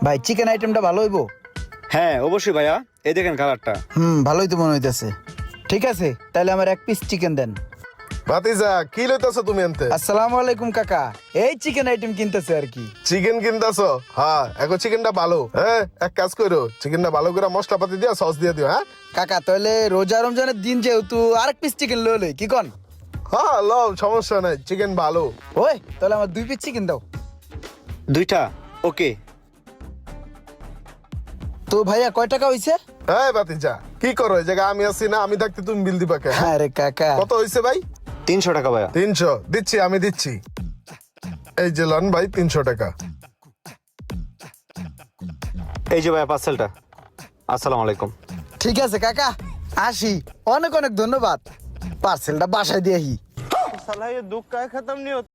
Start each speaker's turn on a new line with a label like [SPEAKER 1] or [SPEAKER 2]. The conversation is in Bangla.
[SPEAKER 1] ভাই চিকেন আইটেমটা ভালো হইবো?
[SPEAKER 2] হ্যাঁ অবশ্যই ভাইয়া, এই দেখেন কালারটা।
[SPEAKER 1] ভালোই তো মনে হইতেছে। ঠিক আছে, তাহলে আমার 1 পিস চিকেন দেন।
[SPEAKER 3] ভাতিজা কি লইতাছো তুমি আনতে?
[SPEAKER 1] আসসালামু আলাইকুম কাকা, এই চিকেন আইটেম কিনতেছে আর কি।
[SPEAKER 3] চিকেন কিনতাছো? হ্যাঁ, এখন চিকেনটা ভালো। হ্যাঁ, এক কাজ করো, চিকেনটা ভালো করে মশলাপাতি দিয়া সস দিয়ে দিও। হ্যাঁ
[SPEAKER 1] কাকা তাহলে রোজা রমজানের দিন যেহেতু আরেক পিস চিকেন লই কি কন?
[SPEAKER 3] হ্যাঁ, লও, সমস্যা নাই, চিকেন ভালো।
[SPEAKER 1] ওই তাহলে আমার 2 পিস চিকেন দাও।
[SPEAKER 2] 2টা ওকে।
[SPEAKER 1] তো ভাইয়া কয় টাকা হইছে?
[SPEAKER 3] হ্যাঁ ভাতিজা, কি করো এই জায়গায়? আমি আছি না, আমি থাকতে তুমি বিল দিবা কে? হ্যাঁ?
[SPEAKER 1] আরে কাকা,
[SPEAKER 3] কত হইছে ভাই?
[SPEAKER 2] 300 টাকা ভাইয়া।
[SPEAKER 3] 300 দিচ্ছি, আমি দিচ্ছি। এই যে লন ভাই 300 টাকা।
[SPEAKER 2] এই যে ভাইয়া পার্সেলটা। আসসালামু আলাইকুম।
[SPEAKER 1] ঠিক আছে কাকা, আসি। অনেক অনেক ধন্যবাদ। পার্সেলটা বাসায় দিয়ে আহি।